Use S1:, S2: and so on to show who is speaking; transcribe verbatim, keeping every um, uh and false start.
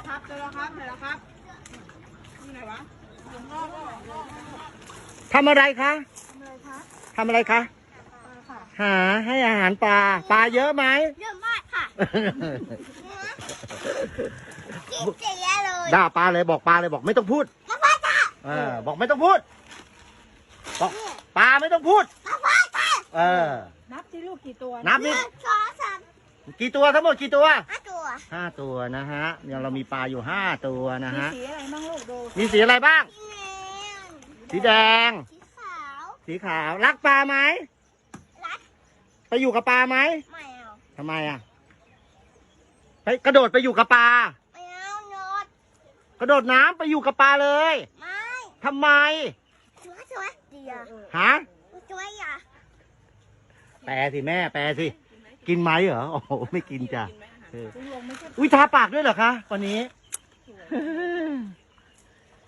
S1: ครับเจอแล้วครับเจอแล้วครับนี่ไหนวะ
S2: ทำอะไรคะ
S1: ทำอะไรคะ
S2: ทำอะไรคะ
S1: ปลาค่ะ
S2: หาให้อาหารปลา ปลาเยอะไหม
S3: เยอะมากค่ะกินเสียเลย
S2: ด่าปลาเลยบอกปลาเลยบอกไม่ต้องพูด
S3: มาพ่อจ้า
S2: เออบอกไม่ต้องพูด บอกปลาไม่ต้องพูด
S3: มาพ่อจ้า
S2: เออ
S1: นับที่ลูกกี่ตัว
S2: นับ
S3: ห
S2: นี่
S3: นึ่งสองสาม
S2: กี่ตัวทั้งหมดกี่ตัว
S3: ห้าตัว
S2: ห้าตัวนะฮะเนี่ยเรามีปลาอยู่ห้าตัวนะ
S1: มี
S2: ฮะ
S1: สีอะไรบ้างลูกดู
S2: มีสีอะไรบ้าง
S3: สีแดง
S2: สีแดง
S3: สีขาว
S2: สีขาว รักปลาไหม
S3: รัด
S2: ไปอยู่กับปลาไหม
S3: ไม่เอา
S2: ทำไมอ่ะไปกระโดดไปอยู่กับปลา
S3: ไม่เอาโนด
S2: กระโดดน้ำไปอยู่กับปลาเลย
S3: ไม่
S2: ทำไม
S3: ช่วยช่วยเดียว
S2: ฮะ
S3: ช่วยอ่ะ
S2: แปลสิแม่แปลสิ กินไหมเหรอ โอ้โห ไม่กินจ้ะเออ
S1: ลุงลงไม่ใช่
S2: อุ้ยทาปากด้วยเหรอคะวันนี้